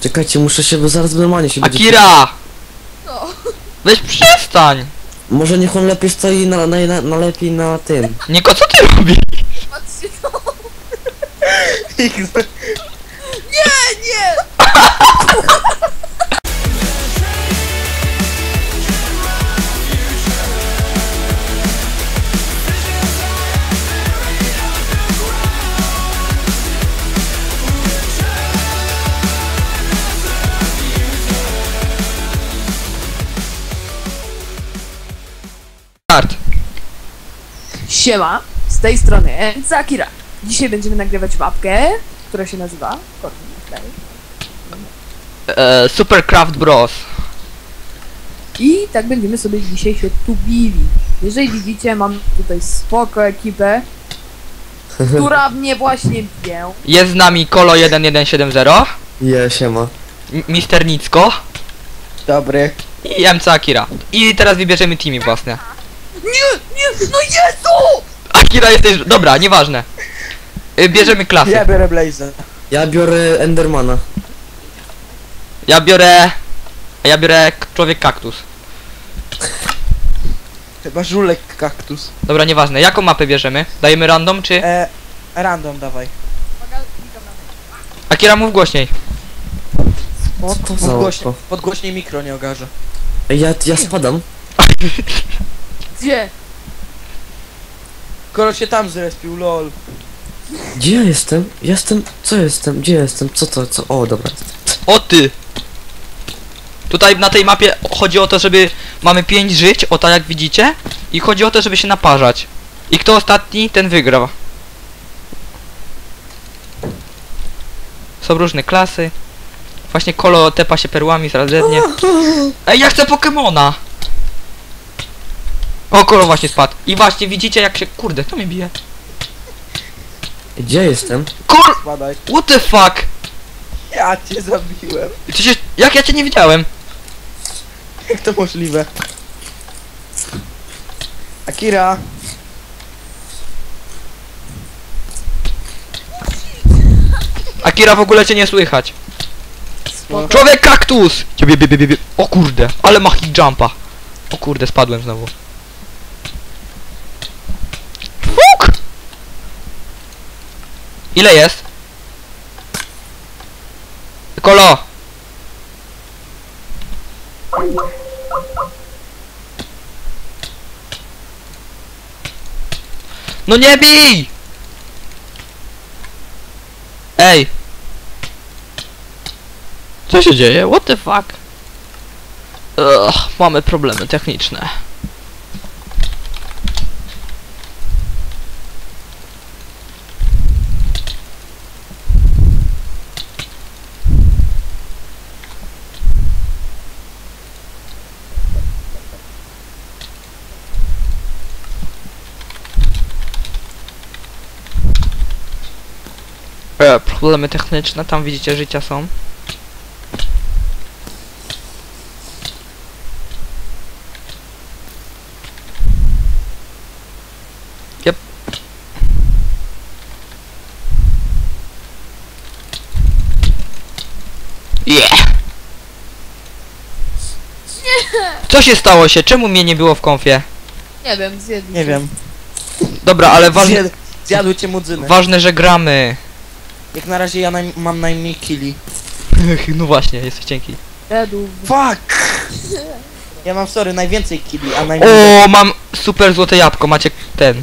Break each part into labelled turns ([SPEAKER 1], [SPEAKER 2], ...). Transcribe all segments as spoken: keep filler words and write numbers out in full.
[SPEAKER 1] Czekajcie, muszę się, bo zaraz normalnie się będzie...
[SPEAKER 2] Akira!
[SPEAKER 3] No.
[SPEAKER 2] Weź przestań!
[SPEAKER 1] Może niech on lepiej stoi na, na, na, na lepiej na tym.
[SPEAKER 2] Niko, co ty robisz?
[SPEAKER 3] Patrzcie to. Nie, nie!
[SPEAKER 2] Start.
[SPEAKER 3] Siema, z tej strony Zakira. Dzisiaj będziemy nagrywać mapkę, która się nazywa Fortnite.
[SPEAKER 2] E, Supercraft Bros.
[SPEAKER 3] I tak będziemy sobie dzisiaj się tu bili. Jeżeli widzicie, mam tutaj spoko ekipę, która mnie właśnie bije.
[SPEAKER 2] Jest z nami Kolo jeden jeden siedem zero,
[SPEAKER 1] Je, siema.
[SPEAKER 2] M- Mister Nicko
[SPEAKER 1] Dobry.
[SPEAKER 2] i M C Akira. I teraz wybierzemy teamy własne.
[SPEAKER 3] Nie, nie, no Jezu!
[SPEAKER 2] Akira jesteś... Dobra, nieważne. Y, Bierzemy klasy.
[SPEAKER 4] Ja biorę Blaze'a.
[SPEAKER 1] Ja biorę Endermana.
[SPEAKER 2] Ja biorę... Ja biorę k- człowiek kaktus.
[SPEAKER 4] Chyba żulek kaktus.
[SPEAKER 2] Dobra, nieważne. Jaką mapę bierzemy? Dajemy random czy...
[SPEAKER 4] E, random dawaj.
[SPEAKER 2] Akira, mów głośniej.
[SPEAKER 1] Co to za
[SPEAKER 4] Podgłośnie,
[SPEAKER 1] oko?
[SPEAKER 4] podgłośnie mikro nie ogarza.
[SPEAKER 1] Ej, ja, ja spadam.
[SPEAKER 3] Gdzie?
[SPEAKER 4] Kolo się tam zrespił, lol.
[SPEAKER 1] Gdzie ja jestem? Jestem... Co jestem? Gdzie jestem? Co to? Co? O, dobra.
[SPEAKER 2] O ty! Tutaj na tej mapie chodzi o to, żeby... Mamy pięć żyć, o tak jak widzicie. I chodzi o to, żeby się naparzać. I kto ostatni, ten wygra. Są różne klasy. Właśnie Kolo tepa się perłami zaraz ze mnie. Ej, ja chcę Pokemona! O, Kolo właśnie spadł. I właśnie widzicie jak się... Kurde, kto mnie bije?
[SPEAKER 1] Gdzie jestem?
[SPEAKER 2] Kol...
[SPEAKER 4] Spadaj.
[SPEAKER 2] What the fuck?
[SPEAKER 4] Ja cię zabiłem.
[SPEAKER 2] Przecież... Jak ja cię nie widziałem?
[SPEAKER 4] Jak to możliwe? Akira.
[SPEAKER 2] Akira, w ogóle cię nie słychać.
[SPEAKER 4] No.
[SPEAKER 2] Człowiek kaktus! Ciebie, bie, bie, bie, bie. O kurde, ale ma hit jumpa. O kurde, spadłem znowu. Fuk! Ile jest? Kolo! No nie bij! Ej! Co się dzieje? What the fuck? Ugh, mamy problemy techniczne. E, problemy techniczne, tam widzicie życia są. Yep. Yeah. Co się stało się? Czemu mnie nie było w konfie?
[SPEAKER 3] Nie wiem, zjedli.
[SPEAKER 4] Nie wiem.
[SPEAKER 2] Dobra, ale ważne,
[SPEAKER 4] Zjad, zjadły cię mudzyny.
[SPEAKER 2] ważne, że gramy.
[SPEAKER 4] Jak na razie ja naj, mam najmniej killi.
[SPEAKER 2] No właśnie, jesteś cienki.
[SPEAKER 3] Zjedł.
[SPEAKER 4] Fuck! Ja mam, sorry, najwięcej killi, a najmniej...
[SPEAKER 2] O, mam super złote jabłko, macie ten.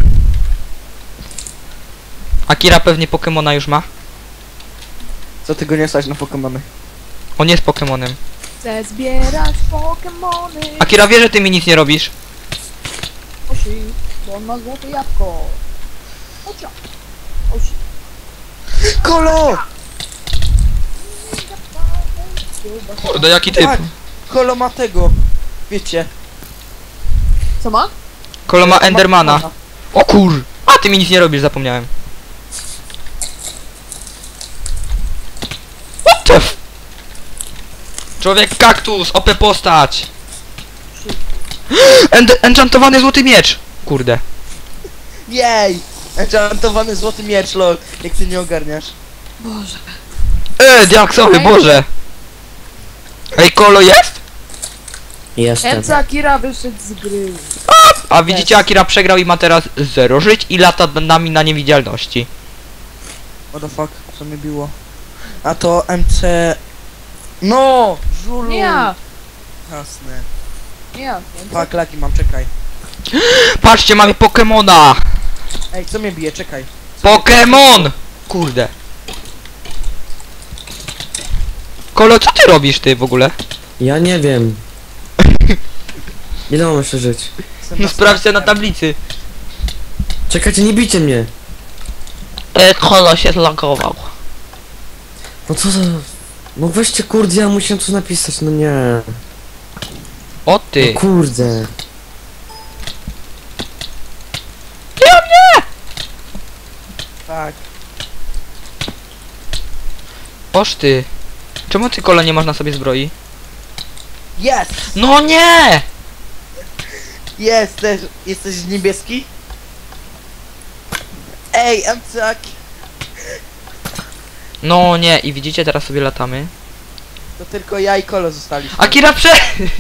[SPEAKER 2] Akira pewnie Pokemona już ma.
[SPEAKER 4] Co ty go nie stać na Pokemony?
[SPEAKER 2] On jest Pokemonem.
[SPEAKER 3] Chcę zbierać Pokemony.
[SPEAKER 2] Akira wie, że ty mi nic nie robisz.
[SPEAKER 3] Osi, bo on ma złote jabłko. Ocia. Osi.
[SPEAKER 4] Kolo!
[SPEAKER 2] Kurde, jaki typ.
[SPEAKER 4] Tak! Kolo ma tego. Wiecie.
[SPEAKER 3] Co ma?
[SPEAKER 2] Kolo ma Endermana. O kur... A ty mi nic nie robisz, zapomniałem. What the f... Człowiek kaktus, O P postać. End enchantowany złoty miecz. Kurde.
[SPEAKER 4] Jej! Enchantowany złoty miecz, lol. Jak ty nie ogarniasz.
[SPEAKER 3] Boże.
[SPEAKER 2] E, diaksowy, Boże. Ej, Kolo jest?
[SPEAKER 1] Jestem.
[SPEAKER 3] Emca Akira wyszedł z gry.
[SPEAKER 2] A widzicie, Akira przegrał i ma teraz zero żyć i lata nad nami na niewidzialności.
[SPEAKER 4] What the fuck, co mnie biło? A to M C... No! Żulu!
[SPEAKER 3] Nie ja,
[SPEAKER 4] Jasne.
[SPEAKER 3] nie ja. Emca.
[SPEAKER 4] Fuck, laki mam, czekaj.
[SPEAKER 2] Patrzcie, mamy Pokemona!
[SPEAKER 4] Ej, co mnie bije, czekaj.
[SPEAKER 2] Pokemon! Kurde. Kolo, co ty robisz ty w ogóle?
[SPEAKER 1] Ja nie wiem. Ile mam jeszcze żyć?
[SPEAKER 4] Jestem
[SPEAKER 2] No sprawdźcie na
[SPEAKER 4] następnym.
[SPEAKER 2] tablicy.
[SPEAKER 1] Czekajcie, nie bijcie mnie.
[SPEAKER 2] E, Kolo się zlogował.
[SPEAKER 1] No co za... No weźcie kurde, ja musiałem coś napisać, no nie.
[SPEAKER 2] O ty.
[SPEAKER 1] No kurde.
[SPEAKER 4] Tak.
[SPEAKER 2] Oż ty. Czemu ty, Kolo, nie masz na sobie zbroi?
[SPEAKER 4] Jest!
[SPEAKER 2] No nie!
[SPEAKER 4] Jesteś, jesteś niebieski? Ej, M C Aki.
[SPEAKER 2] No nie, i widzicie, teraz sobie latamy.
[SPEAKER 4] To tylko ja i Kolo zostaliśmy.
[SPEAKER 2] Akira prze...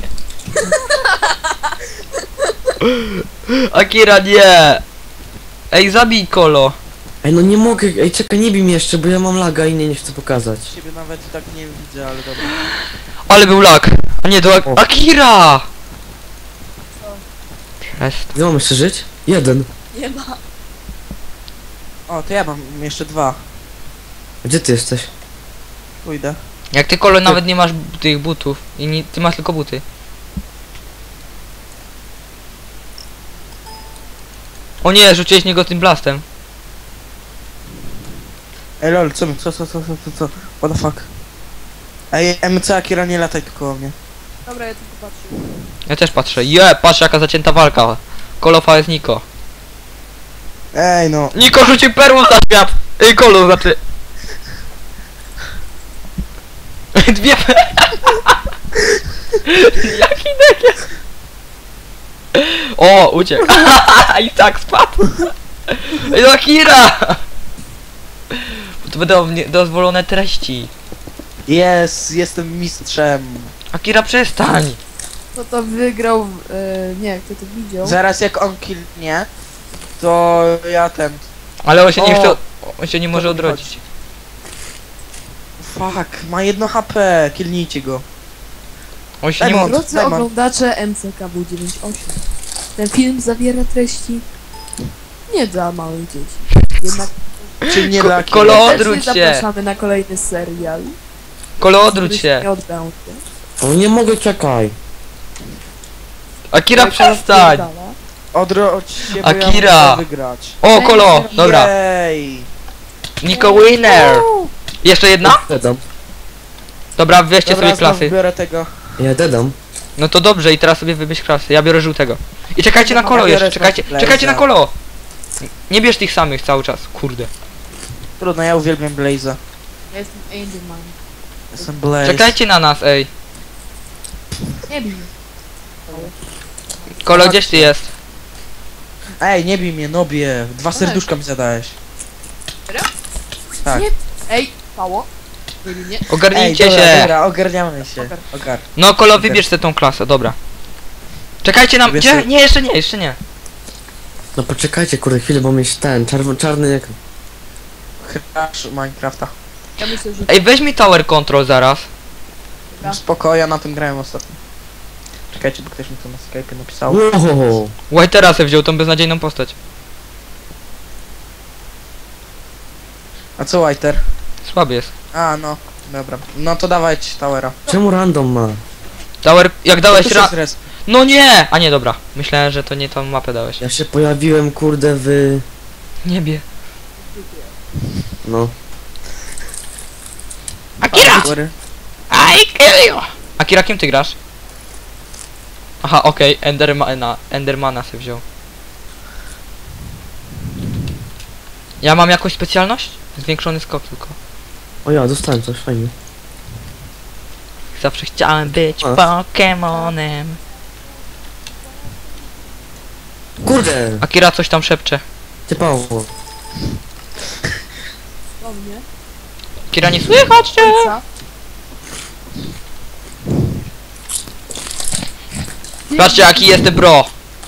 [SPEAKER 2] Akira, nie! Ej, zabij Kolo.
[SPEAKER 1] Ej, no nie mogę, ej czekaj, nie bij mnie jeszcze, bo ja mam laga i nie, nie chcę pokazać.
[SPEAKER 4] Ciebie nawet tak nie widzę, ale dobra.
[SPEAKER 2] Ale był lag. A nie, to Ak
[SPEAKER 1] O.
[SPEAKER 2] Akira! Przest...
[SPEAKER 1] Ile mam jeszcze żyć? Jeden.
[SPEAKER 3] Nie ma.
[SPEAKER 4] O, to ja mam jeszcze dwa.
[SPEAKER 1] Gdzie ty jesteś?
[SPEAKER 4] Pójdę.
[SPEAKER 2] Jak ty, Kolo, nawet nie masz b- tych butów. I nie, ty masz tylko buty. O nie, rzuciłeś niego tym blastem.
[SPEAKER 4] Ej lol, co mi, co, co, co, co, co, co? What the fuck? Ej, M C Akira, nie lataj tylko o mnie.
[SPEAKER 3] Dobra, ja tu popatrzę.
[SPEAKER 2] Ja też patrzę. Je, patrz jaka zacięta walka. Kolo jest Niko.
[SPEAKER 4] Ej no.
[SPEAKER 2] Niko rzucił perłą za świat! Ej, Kolo, znaczy... Dwie... Jaki dekiel? O, uciekł. I tak spadł. Ej, no Akira! To będą nie- dozwolone treści.
[SPEAKER 4] Jest, jestem mistrzem.
[SPEAKER 2] Akira, przestań!
[SPEAKER 3] Kto to wygrał, e, nie, kto to widział.
[SPEAKER 4] Zaraz jak on killnie, to ja ten...
[SPEAKER 2] Ale on się nie
[SPEAKER 4] O,
[SPEAKER 2] chce... On się nie może
[SPEAKER 4] mi
[SPEAKER 2] odrodzić.
[SPEAKER 4] Fuck, ma jedno H P, killnijcie go.
[SPEAKER 2] On się
[SPEAKER 4] Daj
[SPEAKER 2] nie
[SPEAKER 4] mu-
[SPEAKER 2] może...
[SPEAKER 3] Drodzy
[SPEAKER 4] Daj, man.
[SPEAKER 3] oglądacze M C K W dziewięćdziesiąt osiem. Ten film zawiera treści nie dla małych dzieci. Jednak
[SPEAKER 4] Czy nie
[SPEAKER 2] Ko-
[SPEAKER 4] dla
[SPEAKER 2] Kolo-
[SPEAKER 4] Kilo?
[SPEAKER 2] odwróć
[SPEAKER 3] serdecznie
[SPEAKER 2] się.
[SPEAKER 3] zapraszamy na kolejny serial.
[SPEAKER 2] Kolo, odwróć
[SPEAKER 3] który
[SPEAKER 2] się.
[SPEAKER 3] Nie odbędzie.
[SPEAKER 1] O nie mogę, czekaj.
[SPEAKER 2] Akira,
[SPEAKER 3] Ale Kolo
[SPEAKER 2] przestań!
[SPEAKER 3] wpierdala.
[SPEAKER 4] Odrodź się, bo
[SPEAKER 2] Akira.
[SPEAKER 4] ja muszę wygrać.
[SPEAKER 2] O, Kolo! Dobra.
[SPEAKER 4] Jej.
[SPEAKER 2] Niko winner! Jeszcze jedna?
[SPEAKER 1] Dedam.
[SPEAKER 2] Dobra, weźcie
[SPEAKER 4] Dobra,
[SPEAKER 2] sobie
[SPEAKER 4] znów
[SPEAKER 2] klasy.
[SPEAKER 4] biorę tego.
[SPEAKER 1] Ja dedam.
[SPEAKER 2] No to dobrze, i teraz sobie wybierz klasy. Ja biorę żółtego. I czekajcie na
[SPEAKER 4] Ja
[SPEAKER 2] Kolo
[SPEAKER 4] biorę
[SPEAKER 2] jeszcze, czekajcie,
[SPEAKER 4] Blaze'a.
[SPEAKER 2] czekajcie na Kolo! Nie bierz tych samych cały czas, kurde.
[SPEAKER 4] Trudno, ja uwielbiam Blaze'a.
[SPEAKER 3] Ja jestem Angelman.
[SPEAKER 4] Jestem Blaze.
[SPEAKER 2] Czekajcie na nas, ej.
[SPEAKER 3] Nie bij mnie.
[SPEAKER 2] Kolo, gdzieś ty jest?
[SPEAKER 4] Ej, nie bij mnie, nobie. Dwa serduszka mi zadałeś.
[SPEAKER 3] Serio?
[SPEAKER 4] Tak.
[SPEAKER 3] Nie. Ej, Pało. Nie bij mnie.
[SPEAKER 4] Ej,
[SPEAKER 2] Ogarnijcie
[SPEAKER 4] dobra,
[SPEAKER 2] się!
[SPEAKER 4] dobra, ogarniamy się.
[SPEAKER 3] Ogar.
[SPEAKER 4] Ogar.
[SPEAKER 2] No Kolo, wybierz sobie tą klasę, dobra. Czekajcie na...
[SPEAKER 4] Wybierz
[SPEAKER 2] Gdzie?
[SPEAKER 4] sobie-
[SPEAKER 2] Nie, jeszcze nie, jeszcze nie.
[SPEAKER 1] No poczekajcie kurde chwilę, bo mieć ten czarny, czarny jak...
[SPEAKER 4] Crash Minecrafta.
[SPEAKER 3] Ja myślę, że...
[SPEAKER 2] Ej, weź mi tower control zaraz.
[SPEAKER 3] Dobra.
[SPEAKER 4] Spoko, ja na tym grałem ostatnio. Czekajcie, bo ktoś mi to na Skype'ie napisał.
[SPEAKER 1] Wow.
[SPEAKER 2] Whitera se wziął tą beznadziejną postać.
[SPEAKER 4] A co Whiter?
[SPEAKER 2] Słaby jest.
[SPEAKER 4] A, no. Dobra. No to dawać Towera.
[SPEAKER 1] Czemu random ma?
[SPEAKER 2] Tower... Jak dałeś
[SPEAKER 4] To
[SPEAKER 2] ra...
[SPEAKER 4] jest res.
[SPEAKER 2] No nie! A nie, dobra. Myślałem, że to nie tą mapę dałeś.
[SPEAKER 1] Ja się pojawiłem kurde w...
[SPEAKER 2] Niebie.
[SPEAKER 1] No.
[SPEAKER 2] Akira!
[SPEAKER 4] Sorry.
[SPEAKER 2] I kill you! Akira, kim ty grasz? Aha, okej, Endermana, Endermana se wziął. Ja mam jakąś specjalność? Zwiększony skok tylko.
[SPEAKER 1] O ja, dostałem coś, fajnie.
[SPEAKER 2] Zawsze chciałem być
[SPEAKER 1] A.
[SPEAKER 2] Pokemonem.
[SPEAKER 1] Kurde!
[SPEAKER 2] Akira coś tam szepcze.
[SPEAKER 1] Ty Paweł.
[SPEAKER 3] Do mnie.
[SPEAKER 2] Akira, nie słychać cię!
[SPEAKER 3] Ojca.
[SPEAKER 2] Patrzcie jaki jestem bro.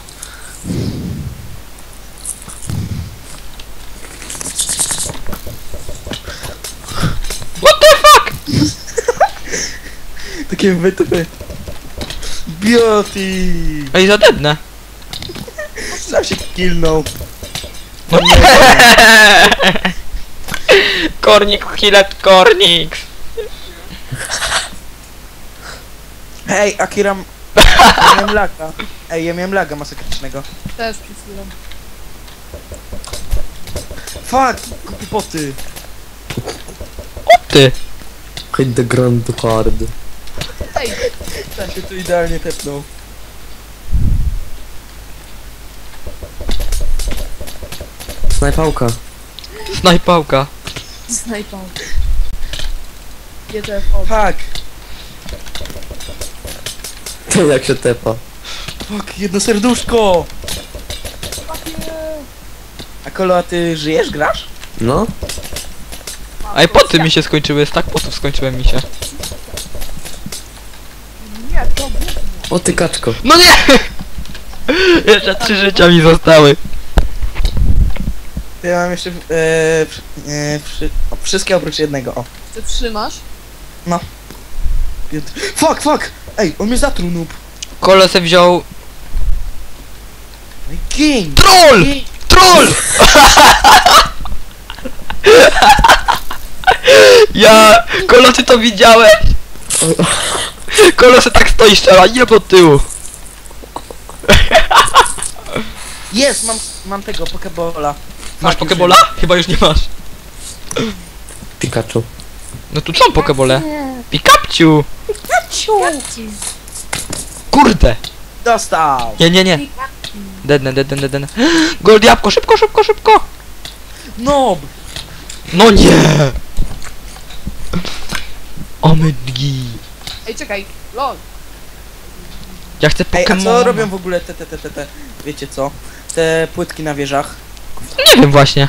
[SPEAKER 2] What the fuck?
[SPEAKER 4] Takie wytypy. Beauty!
[SPEAKER 2] Ej, zadebnę.
[SPEAKER 4] Sam się killnął.
[SPEAKER 2] No nie. Kornik, Hillet, Kornik.
[SPEAKER 4] Hej, Akira... Ja miałem laga. Ej, ja miałem laga masakrycznego.
[SPEAKER 3] Też przed chwilą.
[SPEAKER 4] Fuck! Głupoty!
[SPEAKER 2] Ty.
[SPEAKER 1] Hit the ground hard.
[SPEAKER 3] Ej,
[SPEAKER 4] Ten się tu idealnie tepnął.
[SPEAKER 1] Snajpałka.
[SPEAKER 2] Snajpałka.
[SPEAKER 3] snajpą. G T F od.
[SPEAKER 4] Fuck!
[SPEAKER 1] To jak się tepa.
[SPEAKER 4] Fuck, jedno serduszko! A Kolo, a ty żyjesz, grasz?
[SPEAKER 1] No?
[SPEAKER 2] Ej, poty mi się skończyły, tak potów skończyłem mi się.
[SPEAKER 3] Nie, to gówno.
[SPEAKER 1] O ty kaczko.
[SPEAKER 2] No nie! Jeszcze trzy życia mi zostały.
[SPEAKER 4] Ja mam jeszcze... E, przy- e, przy, o, wszystkie oprócz jednego, o.
[SPEAKER 3] Ty trzymasz?
[SPEAKER 4] Pięt- Fuck, fuck! Ej, on mnie zatruł, noob.
[SPEAKER 2] Kolo se wziął...
[SPEAKER 4] Ej, King!
[SPEAKER 2] Troll!
[SPEAKER 4] King!
[SPEAKER 2] Troll! Ja... Kolo, ty to widziałeś? Kolo se tak stoi strzela, nie po tyłu.
[SPEAKER 4] Jest, mam, mam tego, pokebola.
[SPEAKER 2] Masz
[SPEAKER 4] Fuck,
[SPEAKER 2] pokebola? Chyba już nie masz.
[SPEAKER 1] Pikachu.
[SPEAKER 2] No tu są pokebole. Pikapciu! Kurde!
[SPEAKER 4] Dostał!
[SPEAKER 2] Nie, nie, nie. Dedne, dedne, dedne. Gold jabłko, szybko, szybko, szybko!
[SPEAKER 4] Nob!
[SPEAKER 2] No nie! Omydgi.
[SPEAKER 3] Ej, czekaj, lol.
[SPEAKER 2] Ja chcę
[SPEAKER 4] Ej, a
[SPEAKER 2] Pokémon.
[SPEAKER 4] co robią w ogóle te, te, te, te, te, wiecie co? Te płytki na wieżach.
[SPEAKER 2] Nie wiem właśnie.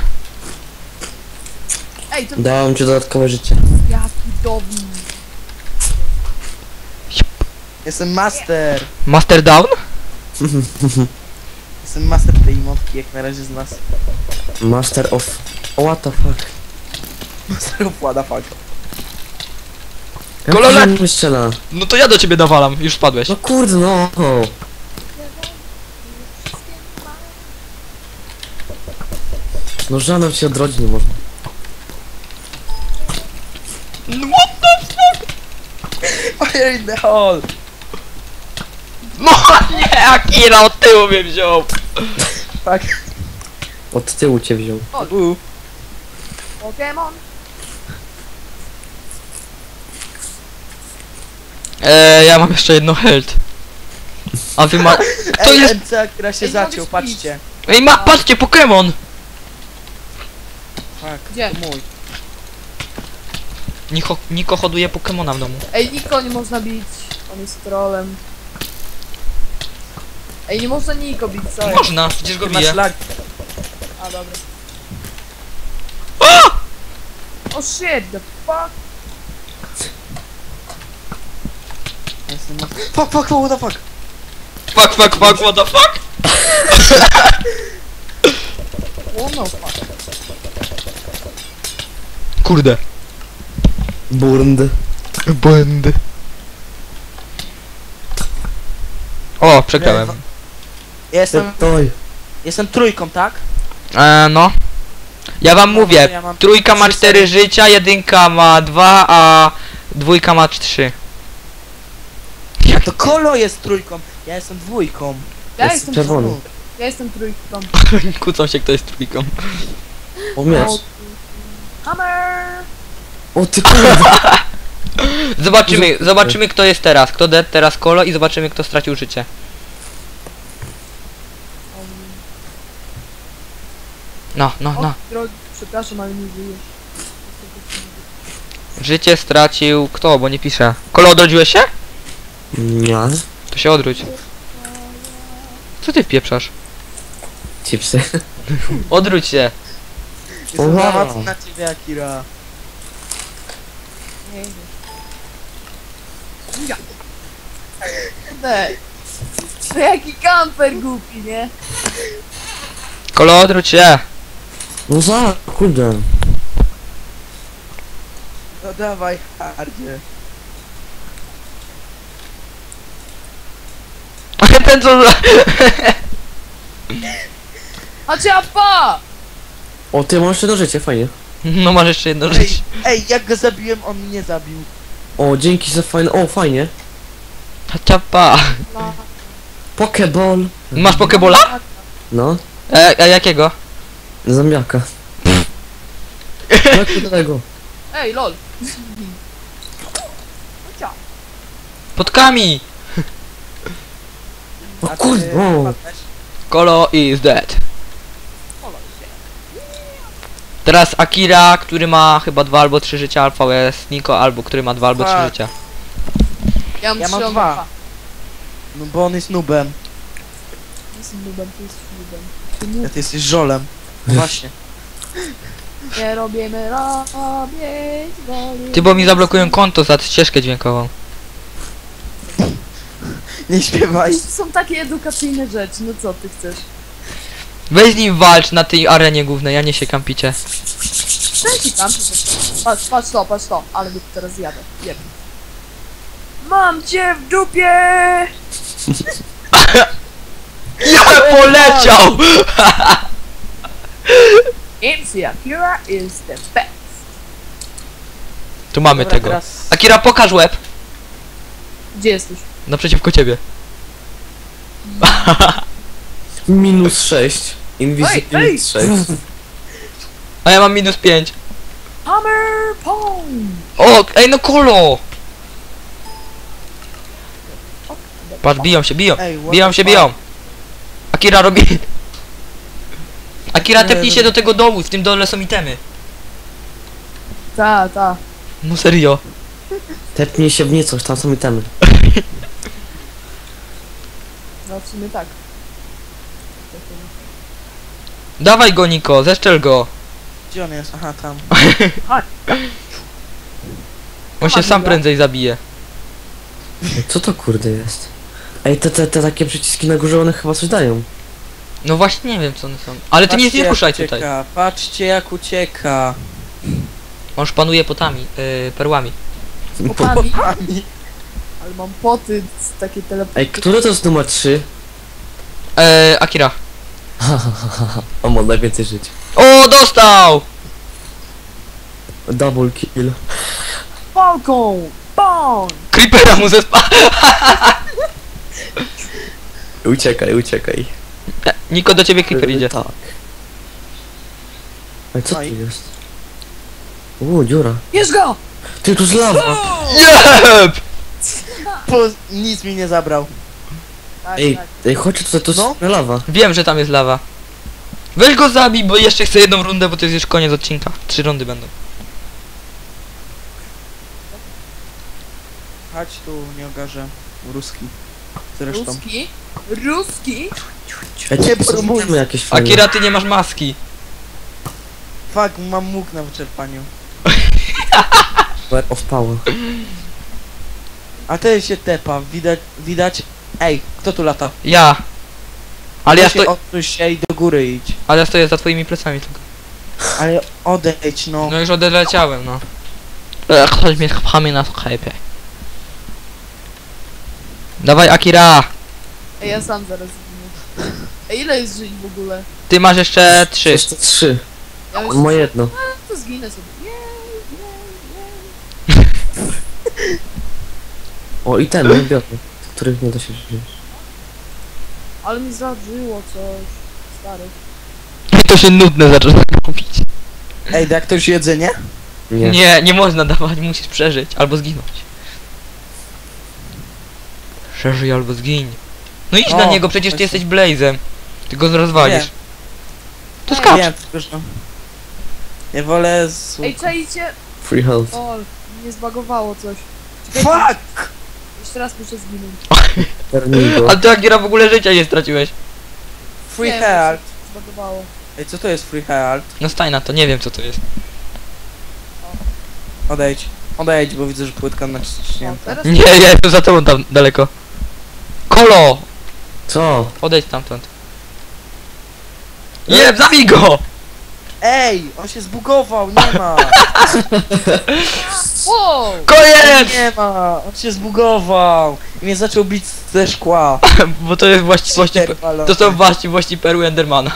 [SPEAKER 3] Ej, to
[SPEAKER 1] Dałem ci dodatkowe życie.
[SPEAKER 3] jaki dobry.
[SPEAKER 4] Jestem master!
[SPEAKER 2] Master down?
[SPEAKER 4] Jestem master tej motki, jak na razie z nas.
[SPEAKER 1] Master of... What the fuck?
[SPEAKER 4] Master of what the fuck.
[SPEAKER 1] Jak
[SPEAKER 2] Kolole-
[SPEAKER 1] on mnie strzela?
[SPEAKER 2] No to ja do ciebie nawalam, już spadłeś.
[SPEAKER 1] No kurde no. No żanem się odrodzić nie można.
[SPEAKER 2] No what the fuck?
[SPEAKER 4] Fire in the hole!
[SPEAKER 2] No nie, Akira od tyłu mnie wziął.
[SPEAKER 4] Fuck.
[SPEAKER 1] Od tyłu cię wziął.
[SPEAKER 4] U.
[SPEAKER 3] Pokémon.
[SPEAKER 2] Eee, ja mam jeszcze jedno health. A wy ma... To
[SPEAKER 4] Ej,
[SPEAKER 2] jest...
[SPEAKER 4] M C, która się
[SPEAKER 3] Ej,
[SPEAKER 4] zaciął,
[SPEAKER 3] mogę
[SPEAKER 4] patrzcie.
[SPEAKER 2] Ej, ma... Patrzcie, Pokémon!
[SPEAKER 4] Fuck,
[SPEAKER 3] Gdzie?
[SPEAKER 4] to mój.
[SPEAKER 2] Niko, Niko hoduje Pokemona w domu.
[SPEAKER 3] Ej, Niko nie można bić. On jest trollem. Ej, nie można Niko bić, co jest?
[SPEAKER 2] Można, przecież go
[SPEAKER 4] Ty masz
[SPEAKER 2] bije.
[SPEAKER 4] lag.
[SPEAKER 3] A, dobra.
[SPEAKER 2] O!
[SPEAKER 3] Oh shit, the fuck?
[SPEAKER 4] Jestem ma- Fuck, fuck, fuck, what the fuck?
[SPEAKER 2] Fuck, fuck, fuck, what the fuck?
[SPEAKER 3] Oh no fuck.
[SPEAKER 2] Kurde.
[SPEAKER 1] Burnd.
[SPEAKER 2] Błędy. O, przegrałem.
[SPEAKER 4] Ja jestem,
[SPEAKER 1] Toj.
[SPEAKER 4] jestem trójką, tak?
[SPEAKER 2] Eee, no. Ja wam
[SPEAKER 4] No,
[SPEAKER 2] mówię,
[SPEAKER 4] ja mam
[SPEAKER 2] trójka ma
[SPEAKER 4] trzy
[SPEAKER 2] cztery
[SPEAKER 4] sery.
[SPEAKER 2] życia, jedynka ma dwa, a dwójka ma trzy.
[SPEAKER 4] To Kolo jest trójką, ja jestem dwójką.
[SPEAKER 3] Ja
[SPEAKER 1] Jest
[SPEAKER 3] jestem
[SPEAKER 1] czerwony.
[SPEAKER 3] trójką. Ja jestem trójką.
[SPEAKER 2] Kłócą się, kto jest trójką.
[SPEAKER 1] O miecz.
[SPEAKER 3] Hammer!
[SPEAKER 1] O ty kurde.
[SPEAKER 2] Zobaczymy, zobaczymy kto jest teraz. Kto dead, teraz Kolo i zobaczymy kto stracił życie.
[SPEAKER 3] Um,
[SPEAKER 2] No, no,
[SPEAKER 3] o,
[SPEAKER 2] no.
[SPEAKER 3] drogi, przepraszam, ale nie żyjesz.
[SPEAKER 2] Życie stracił kto, bo nie pisze. Kolo, odrodziłeś się?
[SPEAKER 1] Nie.
[SPEAKER 2] To się odwróć. Co ty pieprzasz?
[SPEAKER 1] Chipsy.
[SPEAKER 2] Odwróć się.
[SPEAKER 4] Jestem
[SPEAKER 1] Wow.
[SPEAKER 4] za mocny na ciebie, Akira.
[SPEAKER 3] Nie idziesz. Ja. Dej. To jaki kamper głupi, nie?
[SPEAKER 2] Kolo, odwróć się.
[SPEAKER 1] No za, kurde.
[SPEAKER 4] No dawaj, hardzie.
[SPEAKER 2] Ten co... za-
[SPEAKER 3] A ciapa!
[SPEAKER 1] O, ty masz jedno życie, fajnie.
[SPEAKER 2] No masz jeszcze jedno
[SPEAKER 4] Ej,
[SPEAKER 2] życie.
[SPEAKER 4] ej, jak go zabiłem, on mnie zabił.
[SPEAKER 1] O, dzięki za fajne, o, fajnie.
[SPEAKER 2] Ciapa.
[SPEAKER 1] Pokeball.
[SPEAKER 2] Masz pokebola?
[SPEAKER 1] No,
[SPEAKER 2] E, a jakiego?
[SPEAKER 1] zombiaka. Jak do tego?
[SPEAKER 3] Ej, lol. Cia.
[SPEAKER 2] Podkami.
[SPEAKER 1] O
[SPEAKER 4] A ty
[SPEAKER 1] kurde, o.
[SPEAKER 4] padłeś?
[SPEAKER 2] Kolo is dead. Teraz Akira, który ma chyba dwa albo trzy życia, Alfa jest Niko, albo który ma dwa albo trzy
[SPEAKER 4] Tak.
[SPEAKER 2] życia.
[SPEAKER 3] Ja mam
[SPEAKER 4] Ja mam
[SPEAKER 3] trzy, on
[SPEAKER 4] dwa.
[SPEAKER 3] ma dwa.
[SPEAKER 4] No bo on jest nubem,
[SPEAKER 3] Jestem nubem, ty jesteś nubem. Ty
[SPEAKER 4] a
[SPEAKER 3] nub.
[SPEAKER 4] ty jesteś żolem. No właśnie.
[SPEAKER 3] Nie robimy robić woli.
[SPEAKER 2] Ty, bo mi zablokują konto za ścieżkę dźwiękową.
[SPEAKER 4] Nie śpiewaj.
[SPEAKER 3] To są takie edukacyjne rzeczy, no co ty chcesz?
[SPEAKER 2] Weź z nim walcz na tej arenie głównej, ja nie się kampicie.
[SPEAKER 3] Cześć tam, patrz, patrz to, patrz to, ale go teraz jadę. Jeb. Mam cię w dupie!
[SPEAKER 2] Ja poleciał!
[SPEAKER 3] M C Akira is the best.
[SPEAKER 2] Tu mamy
[SPEAKER 4] Dobra,
[SPEAKER 2] tego.
[SPEAKER 4] teraz-
[SPEAKER 2] Akira, pokaż łeb.
[SPEAKER 3] Gdzie jesteś?
[SPEAKER 2] Naprzeciwko ciebie.
[SPEAKER 1] Minus sześć.
[SPEAKER 3] Ej, ej!
[SPEAKER 1] Invisible sześć.
[SPEAKER 2] A ja mam minus pięć.
[SPEAKER 3] Hammer Pong!
[SPEAKER 2] O, ej no Kolo! Patrz, biją się, biją.
[SPEAKER 4] Ej, what
[SPEAKER 2] Biją
[SPEAKER 4] the
[SPEAKER 2] się,
[SPEAKER 4] fuck?
[SPEAKER 2] biją. Akira robi... Akira,
[SPEAKER 4] Nie,
[SPEAKER 2] tepnij
[SPEAKER 4] no-
[SPEAKER 2] się do tego dołu, w tym dole są itemy.
[SPEAKER 3] Ta, ta.
[SPEAKER 2] No serio.
[SPEAKER 1] Tepnij się w niecoś, tam są itemy.
[SPEAKER 3] No w sumie tak.
[SPEAKER 2] Dawaj go, Niko, zeszczel go.
[SPEAKER 4] Gdzie on jest? Aha, tam.
[SPEAKER 2] On się sam prędzej zabije.
[SPEAKER 1] Ej, co to kurde jest? Ej, te, te, te takie przyciski na górze, one chyba coś dają.
[SPEAKER 2] No właśnie nie wiem co one są. Ale ty nic
[SPEAKER 4] Patrzcie,
[SPEAKER 2] nie
[SPEAKER 4] jak
[SPEAKER 2] ruszaj
[SPEAKER 4] ucieka.
[SPEAKER 2] tutaj.
[SPEAKER 4] Patrzcie jak ucieka.
[SPEAKER 2] On już panuje potami, yy, perłami.
[SPEAKER 3] Popami.
[SPEAKER 4] Popami.
[SPEAKER 3] Ale mam poty z takie teleporty.
[SPEAKER 1] Ej, który to jest numer trzy?
[SPEAKER 2] Eee, Akira.
[SPEAKER 1] On ma najwięcej żyć.
[SPEAKER 2] O, dostał!
[SPEAKER 1] Double kill.
[SPEAKER 3] Falcon! Bong!
[SPEAKER 2] Creepera mu zespa...
[SPEAKER 1] Uciekaj, uciekaj.
[SPEAKER 2] Niko, do ciebie creeper idzie.
[SPEAKER 1] Tak. Ej, co tu
[SPEAKER 4] Oj.
[SPEAKER 1] jest? Uuu, dziura.
[SPEAKER 3] Bierz go!
[SPEAKER 1] Ty, tu z lawa!
[SPEAKER 2] Jeb!
[SPEAKER 4] Po, nic mi nie zabrał.
[SPEAKER 3] Tak,
[SPEAKER 1] Ej,
[SPEAKER 3] tak.
[SPEAKER 1] ej, chodź tutaj, to jest
[SPEAKER 4] No.
[SPEAKER 1] lawa.
[SPEAKER 2] Wiem, że tam jest lawa. Weź go zabij, bo jeszcze chcę jedną rundę, bo to jest już koniec odcinka. Trzy rundy będą.
[SPEAKER 4] Chodź tu, nie ogarzę. Ruski. Zresztą.
[SPEAKER 3] Ruski? Ruski?
[SPEAKER 1] Ej,
[SPEAKER 4] Nie
[SPEAKER 1] tu są
[SPEAKER 4] próbuj.
[SPEAKER 1] itemy jakieś fajne.
[SPEAKER 2] Akira, ty nie masz maski.
[SPEAKER 4] Fuck, mam mógł na wyczerpaniu.
[SPEAKER 1] Power of power.
[SPEAKER 4] A ten się tepa, widać, widać. Ej, kto tu lata?
[SPEAKER 2] Ja. Ale ja,
[SPEAKER 4] Weź się
[SPEAKER 2] sto...
[SPEAKER 4] Odsuń się i do góry idź.
[SPEAKER 2] Ale ja stoję za twoimi plecami tylko.
[SPEAKER 4] Ale odejdź, no.
[SPEAKER 2] No już odleciałem, no. Ech, chodź mnie pchamy na sklepie. Dawaj, Akira!
[SPEAKER 3] Ej, ja sam zaraz zginę. Ej, ile jest żyć w ogóle?
[SPEAKER 2] Ty masz jeszcze trzy.
[SPEAKER 1] Jeszcze trzy.
[SPEAKER 3] Ja już
[SPEAKER 1] On ma jedno.
[SPEAKER 3] to zginę sobie. Jej, jej, jej.
[SPEAKER 1] O, itemy, biorę. Których nie da się żyć.
[SPEAKER 3] Ale mi zadrzyło coś. Stary.
[SPEAKER 2] To się nudne zaczyna robić.
[SPEAKER 4] Ej, da ktoś jedzenie?
[SPEAKER 1] Nie.
[SPEAKER 2] Nie, nie można dawać, musisz przeżyć albo zginąć. Przeżyj albo zgiń. No idź
[SPEAKER 4] O,
[SPEAKER 2] na niego, przecież ty
[SPEAKER 4] właśnie.
[SPEAKER 2] jesteś Blazem. Ty go rozwalisz.
[SPEAKER 4] Wiem.
[SPEAKER 2] To skacz.
[SPEAKER 4] Wiem, tylko że... Ja wolę z...
[SPEAKER 3] Ej, czajcie!
[SPEAKER 1] Free health.
[SPEAKER 3] O, mnie zbagowało coś. Czekajcie,
[SPEAKER 4] Fuck!
[SPEAKER 3] jeszcze raz muszę zginąć.
[SPEAKER 1] Ternigo.
[SPEAKER 2] Ale ty, Akira, w ogóle życia nie straciłeś.
[SPEAKER 4] Free
[SPEAKER 3] Nie,
[SPEAKER 4] heart.
[SPEAKER 3] Zbagowało.
[SPEAKER 4] Ej, co to jest free heart?
[SPEAKER 2] No staj na to, nie wiem co to jest.
[SPEAKER 4] Odejdź. Odejdź, bo widzę, że płytka
[SPEAKER 3] O,
[SPEAKER 4] naciśnięta.
[SPEAKER 3] teraz
[SPEAKER 2] Nie, ja jestem za tobą tam daleko. Kolo!
[SPEAKER 1] Co?
[SPEAKER 2] Odejdź stamtąd. Nie, zabij go!
[SPEAKER 4] Ej, on się zbugował, nie ma.
[SPEAKER 3] Wow!
[SPEAKER 2] Koniec!
[SPEAKER 4] Nie ma, on się zbugował. I mnie zaczął bić ze szkła.
[SPEAKER 2] Bo to jest właściwości...
[SPEAKER 4] Cheater walony.
[SPEAKER 2] To są właściwości perły Endermana.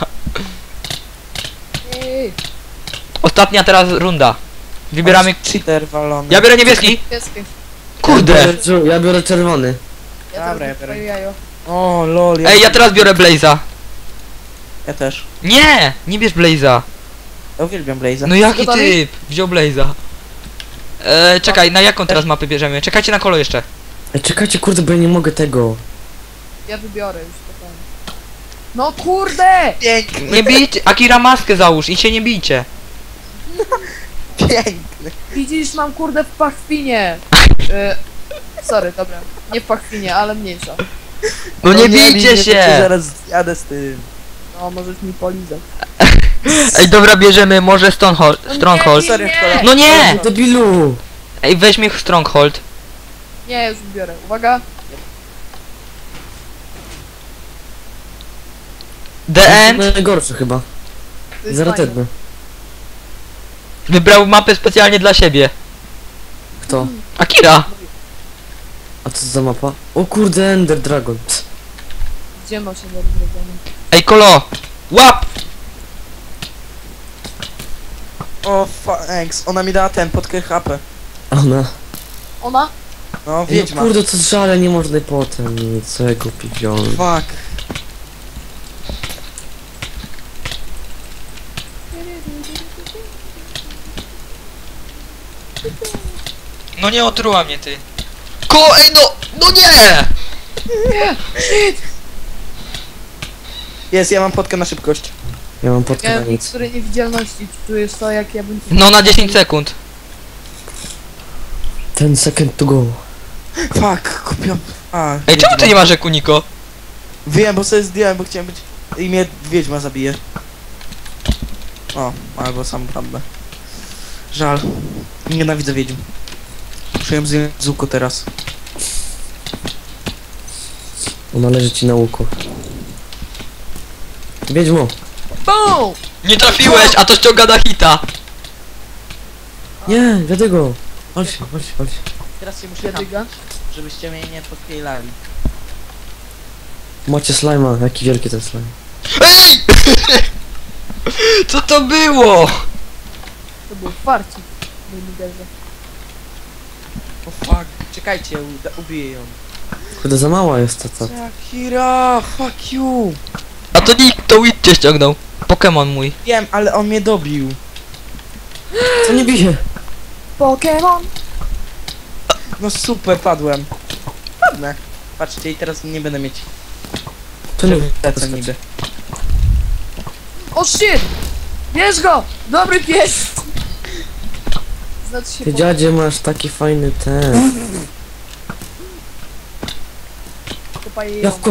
[SPEAKER 3] Ej,
[SPEAKER 2] Ostatnia teraz runda. Wybieramy...
[SPEAKER 4] Cheater walony.
[SPEAKER 2] Ja biorę niebieski.
[SPEAKER 3] pieskie.
[SPEAKER 1] Ja
[SPEAKER 2] Kurde!
[SPEAKER 1] biorę, czu- ja biorę czerwony.
[SPEAKER 3] Ja
[SPEAKER 4] Dobra, ja
[SPEAKER 3] teraz
[SPEAKER 4] biorę.
[SPEAKER 3] twoje jajo.
[SPEAKER 4] O, lol.
[SPEAKER 2] Ej, ja teraz biorę Blaze'a.
[SPEAKER 4] Ja też.
[SPEAKER 2] Nie! Nie bierz Blaze'a.
[SPEAKER 4] Ja uwielbiam Blaze'a.
[SPEAKER 2] No jaki
[SPEAKER 3] Gotowi?
[SPEAKER 2] typ? Wziął Blaze'a. E, czekaj, na jaką teraz mapę bierzemy? Czekajcie na kolo jeszcze.
[SPEAKER 1] Ej, czekajcie, kurde, bo ja nie mogę tego.
[SPEAKER 3] Ja wybiorę już spokojnie. No kurde!
[SPEAKER 4] Piękny,
[SPEAKER 2] Nie bijcie, Akira maskę załóż i się nie bijcie.
[SPEAKER 4] piękny.
[SPEAKER 3] Widzisz, mam kurde w pachwinie. Y, sorry, dobra. Nie w pachwinie, ale mniejsza.
[SPEAKER 2] No nie
[SPEAKER 4] bij
[SPEAKER 2] bijcie
[SPEAKER 4] mnie, to cię
[SPEAKER 2] się!
[SPEAKER 4] zaraz jadę z tym.
[SPEAKER 3] No, możesz mi polizać.
[SPEAKER 2] Ej, dobra, bierzemy może Stronghold.
[SPEAKER 3] No
[SPEAKER 2] Stronghold.
[SPEAKER 3] nie,
[SPEAKER 4] Sorry,
[SPEAKER 3] nie,
[SPEAKER 4] wkładam.
[SPEAKER 2] No nie!
[SPEAKER 1] Debilu!
[SPEAKER 2] Ej, weźmy Stronghold.
[SPEAKER 3] nie, już biorę. Uwaga.
[SPEAKER 2] The End
[SPEAKER 1] Najgorszy chyba.
[SPEAKER 3] To jest
[SPEAKER 1] Zaraz
[SPEAKER 3] fajne.
[SPEAKER 1] tedny.
[SPEAKER 2] wybrał mapę specjalnie dla siebie.
[SPEAKER 1] Kto?
[SPEAKER 2] Akira!
[SPEAKER 1] A co za mapa? O kurde, Ender Dragon.
[SPEAKER 3] Gdzie masz się zrobione?
[SPEAKER 2] Ej, kolo! Łap!
[SPEAKER 4] O, thanks. Ona mi dała ten, podkę H P.
[SPEAKER 1] Ona.
[SPEAKER 3] Ona?
[SPEAKER 4] No,
[SPEAKER 1] Ej,
[SPEAKER 4] wiedźma.
[SPEAKER 1] no kurde, co żale, nie można potem. Co ja głupi wziąłem.
[SPEAKER 4] Fuck.
[SPEAKER 2] No nie otruła mnie ty. Ko, ej no! No nie!
[SPEAKER 4] Jest, ja mam podkę na szybkość.
[SPEAKER 1] Ja mam pod
[SPEAKER 3] Miałem
[SPEAKER 1] nic.
[SPEAKER 3] niektóre niewidzialności. Czujesz to, jak ja bym...
[SPEAKER 2] No na dziesięć sekund.
[SPEAKER 1] Ten second to go.
[SPEAKER 4] Fuck, kupiłem. A,
[SPEAKER 2] Ej, czemu ty
[SPEAKER 4] wiedźma.
[SPEAKER 2] nie masz Ekuniko?
[SPEAKER 4] Wiem, bo sobie zdjąłem, bo chciałem być... I mnie wiedźma zabije. O, albo sam prawdę. Żal. Nienawidzę wiedźm. Muszę ją zdjąć z łuku teraz.
[SPEAKER 1] Ona leży ci na łuku. Wiedźmo.
[SPEAKER 3] BOOM!
[SPEAKER 2] Nie trafiłeś, a to ściąga na hita.
[SPEAKER 1] Nie, dlatego. Chodź się, chodź się, chodź się.
[SPEAKER 4] Teraz się muszę
[SPEAKER 3] Jadyga?
[SPEAKER 4] żebyście mnie nie podkielali.
[SPEAKER 1] Macie slajma, jaki wielki ten slime.
[SPEAKER 2] Ej! Co to było?
[SPEAKER 3] To był farcik. Mój liderze.
[SPEAKER 4] O fuck. Czekajcie, uda- ubiję ją.
[SPEAKER 1] Kurde, za mała jest ta, ta.
[SPEAKER 4] Shakira, fuck you.
[SPEAKER 2] A to nikt, to Witch cię ściągnął. Pokémon mój.
[SPEAKER 4] Wiem, ale on mnie dobił.
[SPEAKER 1] Co nie bije?
[SPEAKER 3] Pokémon!
[SPEAKER 4] No super, padłem. Padnę. Patrzcie, i teraz nie będę mieć
[SPEAKER 1] To nie
[SPEAKER 4] lecę niby.
[SPEAKER 3] O shit! Bierz go! Dobry pies! Znaczy się
[SPEAKER 1] Ty
[SPEAKER 3] po...
[SPEAKER 1] dziadzie masz taki fajny ten.
[SPEAKER 3] Kopaj ją.
[SPEAKER 1] Jawko!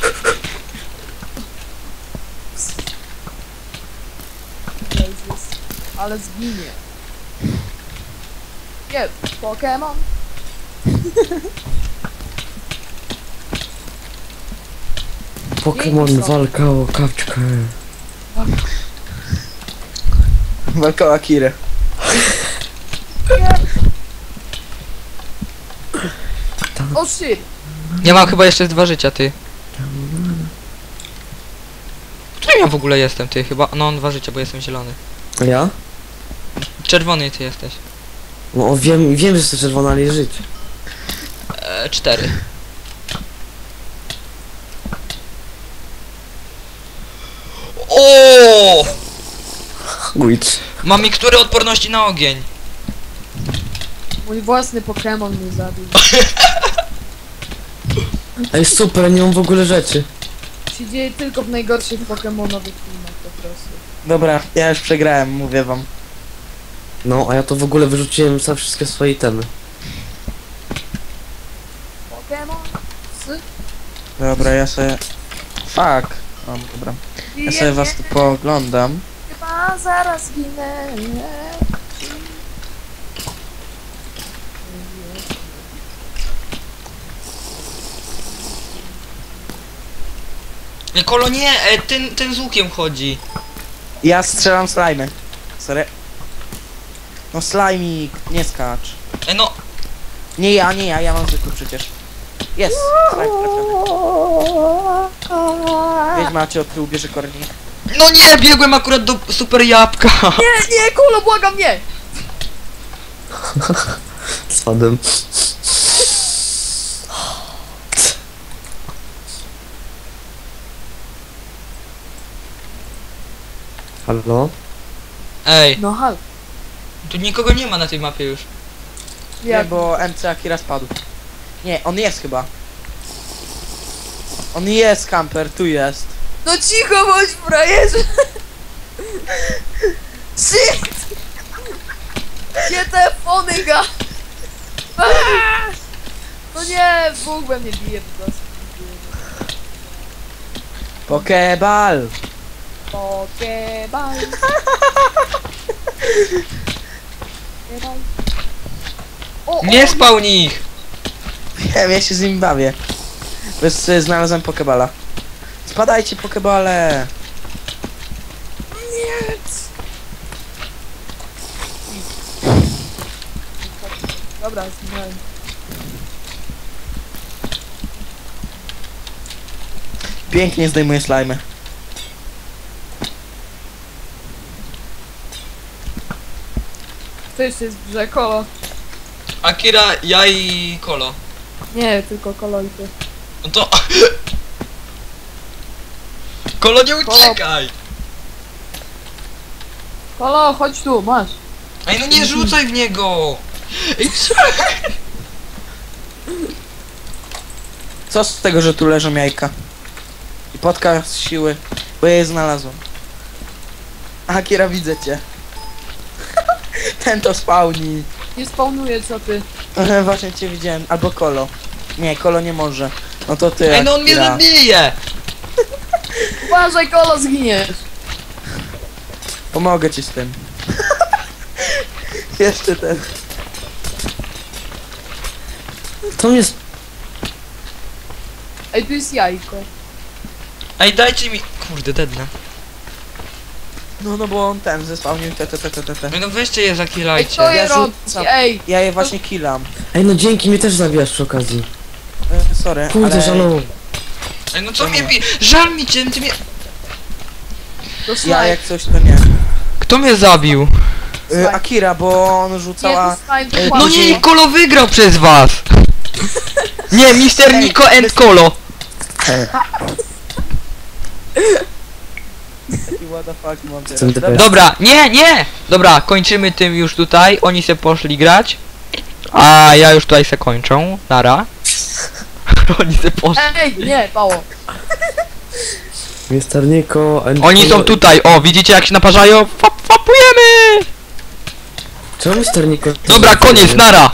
[SPEAKER 3] Jezus. Ale zginie. Nie, Pokémon.
[SPEAKER 1] Pokémon walka o kapczkę.
[SPEAKER 4] Walka o Akirę.
[SPEAKER 3] O shit!
[SPEAKER 2] Ja mam chyba jeszcze dwa życia, ty. Którym ja w ogóle jestem, ty? Chyba, no dwa życia, bo jestem zielony.
[SPEAKER 1] A ja?
[SPEAKER 2] Czerwony ty jesteś.
[SPEAKER 1] No o, wiem, wiem, że jesteś czerwona, ale żyć.
[SPEAKER 2] E, cztery. O!
[SPEAKER 1] Witch.
[SPEAKER 2] Mam mikstury odporności na ogień.
[SPEAKER 3] Mój własny Pokémon mnie zabił.
[SPEAKER 1] Ej, super, nie mam w ogóle rzeczy.
[SPEAKER 3] Się dzieje tylko w najgorszych Pokémonowych filmach po prostu.
[SPEAKER 4] Dobra, ja już przegrałem, mówię wam.
[SPEAKER 1] No, a ja to w ogóle wyrzuciłem za wszystkie swoje itemy.
[SPEAKER 3] Pokémon? Sy?
[SPEAKER 4] Dobra, ja sobie... Fuck. O, dobra. Ja sobie was tu pooglądam.
[SPEAKER 3] Chyba zaraz ginę.
[SPEAKER 2] Nie, Kolo, nie, e, ten, ten z łukiem chodzi.
[SPEAKER 4] Ja strzelam slajmy. Sorry. No slajmik, nie skacz.
[SPEAKER 2] E, no,
[SPEAKER 4] Nie ja, nie ja, ja mam zwykły przecież. Jest! Slime trafiony. Wiedźma cię od tyłu bierze kornik.
[SPEAKER 2] no nie, biegłem akurat do super jabłka.
[SPEAKER 3] Nie, nie, Kolo, błagam, nie!
[SPEAKER 1] Spadłem. Halo?
[SPEAKER 2] Ej,
[SPEAKER 3] No hal.
[SPEAKER 2] tu nikogo nie ma na tej mapie już.
[SPEAKER 4] Nie,
[SPEAKER 3] Jak?
[SPEAKER 4] bo M C Akira spadł. Nie, on jest chyba. On jest, kamper, tu jest.
[SPEAKER 3] No cicho bądź, frajerze! Shit! Gdzie te fonyga? Aaa! No nie, Bóg we mnie bije po prostu.
[SPEAKER 4] Pokeball!
[SPEAKER 3] Pokeball. Pokeball. O,
[SPEAKER 2] Nie
[SPEAKER 3] o,
[SPEAKER 2] spał nich.
[SPEAKER 4] Wiem, ja się z nim bawię. Bez, y, znalazłem pokeballa. Spadajcie, pokebale!
[SPEAKER 3] nie. Dobra, zginąłem.
[SPEAKER 4] Pięknie zdejmuję slajmy.
[SPEAKER 3] To jeszcze jest w grze, Kolo.
[SPEAKER 2] Akira, ja i Kolo.
[SPEAKER 3] Nie, tylko Kolo i ty.
[SPEAKER 2] No to... Kolo, nie uciekaj!
[SPEAKER 3] Kolo, chodź tu, masz.
[SPEAKER 2] Ej, no nie rzucaj w niego! Ej, co?
[SPEAKER 4] Co z tego, że tu leżą jajka? I potka z siły, bo ja je znalazłem. Akira, widzę cię. Ten to spawni.
[SPEAKER 3] Nie spawnuję, co ty.
[SPEAKER 4] Właśnie cię widziałem. Albo Kolo. Nie, Kolo nie może. No to ty,
[SPEAKER 2] Ej, no on mnie
[SPEAKER 4] Akira.
[SPEAKER 2] zabije!
[SPEAKER 3] Uważaj, Kolo, zginiesz.
[SPEAKER 4] Pomogę ci z tym. Jeszcze ten.
[SPEAKER 1] To jest...
[SPEAKER 3] Ej, tu jest jajko.
[SPEAKER 2] Ej, dajcie mi... Kurde, dednę.
[SPEAKER 4] No, no bo on ten zespałnił te, te, te, te, te, te.
[SPEAKER 2] Ej, no weźcie je,
[SPEAKER 3] Ej,
[SPEAKER 2] zakilajcie.
[SPEAKER 3] kto je
[SPEAKER 4] Ja
[SPEAKER 3] robi?
[SPEAKER 4] rzucam.
[SPEAKER 3] Ej,
[SPEAKER 4] Ja je właśnie killam.
[SPEAKER 1] Ej, no dzięki, mnie też zabijasz przy okazji.
[SPEAKER 4] E, sorry,
[SPEAKER 1] Kurde,
[SPEAKER 4] ale
[SPEAKER 1] żalu.
[SPEAKER 2] Ej, no co mnie bi... Żal mi cię, ty mnie...
[SPEAKER 3] to
[SPEAKER 4] ja
[SPEAKER 3] slime.
[SPEAKER 4] jak coś to nie.
[SPEAKER 2] Kto mnie zabił?
[SPEAKER 4] E, Akira, bo on
[SPEAKER 3] Nie,
[SPEAKER 4] rzucała...
[SPEAKER 3] to slime, to
[SPEAKER 4] No
[SPEAKER 2] No
[SPEAKER 3] kłamie.
[SPEAKER 2] nie, Kolo wygrał przez was! Nie, mister
[SPEAKER 4] Ej,
[SPEAKER 2] Niko and
[SPEAKER 4] bez-
[SPEAKER 2] Kolo!
[SPEAKER 4] What the fuck mam teraz?
[SPEAKER 1] Jestem
[SPEAKER 4] Dobra,
[SPEAKER 1] DPS.
[SPEAKER 2] Dobra, nie, nie! Dobra, kończymy tym już tutaj, oni se poszli grać. A ja już tutaj se kończę, nara. Oni se poszli.
[SPEAKER 3] Ej, nie, Pało.
[SPEAKER 1] mister Niko... and-
[SPEAKER 2] Oni są tutaj, o, widzicie jak się naparzają? Fap, fapujemy!
[SPEAKER 1] Czemu mister Niko...
[SPEAKER 2] Dobra, koniec, nara!